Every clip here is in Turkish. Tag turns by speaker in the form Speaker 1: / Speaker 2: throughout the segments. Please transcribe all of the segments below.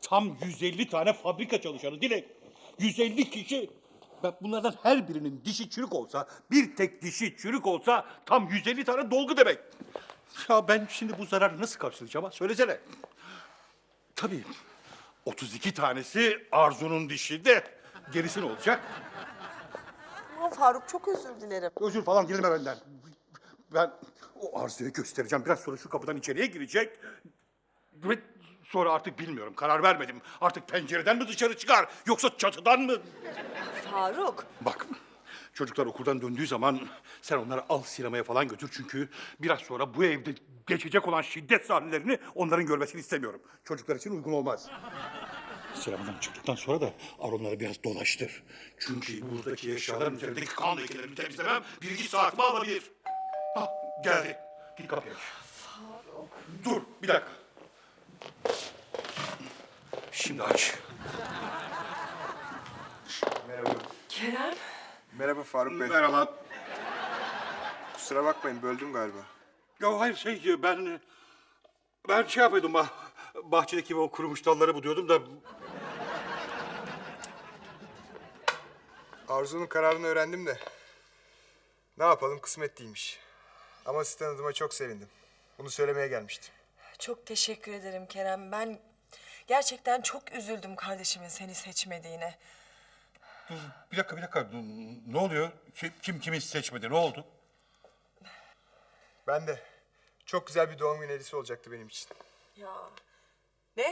Speaker 1: Tam 150 tane fabrika çalışanı Dilek. 150 kişi. Bak bunlardan her birinin dişi çürük olsa, bir tek dişi çürük olsa tam 150 tane dolgu demek. Ya ben şimdi bu zararı nasıl karşılayacağım ha? Söylesene. Tabii 32 tanesi Arzu'nun dişi de gerisi ne olacak?
Speaker 2: Aman Faruk çok özür dilerim.
Speaker 1: Özür falan dileme benden. Ben o Arzu'ya göstereceğim. Biraz sonra şu kapıdan içeriye girecek. Ve sonra artık bilmiyorum. Karar vermedim. Artık pencereden mi dışarı çıkar yoksa çatıdan mı?
Speaker 2: Faruk.
Speaker 1: Bak çocuklar okuldan döndüğü zaman sen onları al sinemaya falan götür. Çünkü biraz sonra bu evde geçecek olan şiddet sahnelerini onların görmesini istemiyorum. Çocuklar için uygun olmaz. Sinemadan çıktıktan sonra da Aronları biraz dolaştır. Çünkü buradaki eşyaların üzerindeki kan lekelerini temizlemem bir iki saatimi alabilir. Hah geldi. Git kapıya. Faruk. Dur bir dakika. Şimdi aç.
Speaker 3: Merhaba.
Speaker 2: Kerem.
Speaker 3: Merhaba Faruk Bey.
Speaker 1: Merhaba.
Speaker 3: Kusura bakmayın, böldüm galiba.
Speaker 1: Ya hayır ben şey yapıyordum bahçedeki o kurumuş dalları buluyordum da
Speaker 3: Arzu'nun kararını öğrendim de. Ne yapalım, kısmet değilmiş. Ama sizi tanıdığıma çok sevindim. Bunu söylemeye gelmiştim.
Speaker 4: Çok teşekkür ederim Kerem. Ben gerçekten çok üzüldüm kardeşimin seni seçmediğine.
Speaker 1: bir dakika ne oluyor? Kim kimi seçmedi ne oldu?
Speaker 3: Ben de. Çok güzel bir doğum günü hediyesi olacaktı benim için.
Speaker 4: Ya ne?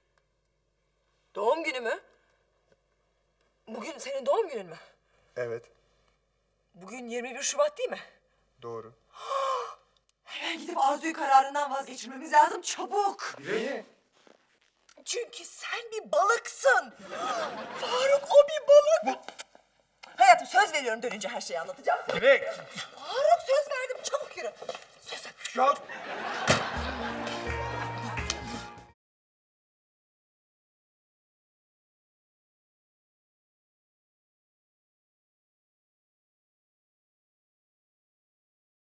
Speaker 4: Doğum günü mü? Bugün senin doğum günün mü?
Speaker 3: Evet,
Speaker 4: Bugün 21 Şubat değil mi?
Speaker 3: doğru.
Speaker 4: Hemen gidip Arzu'yu kararından vazgeçirmemiz lazım çabuk.
Speaker 3: Niye?
Speaker 4: Çünkü sen bir balıksın. Faruk o bir balık. Hayatım söz veriyorum dönünce her şeyi anlatacağım.
Speaker 1: Dilek!
Speaker 4: Faruk söz verdim çabuk yürü. Söz ver.
Speaker 1: Ya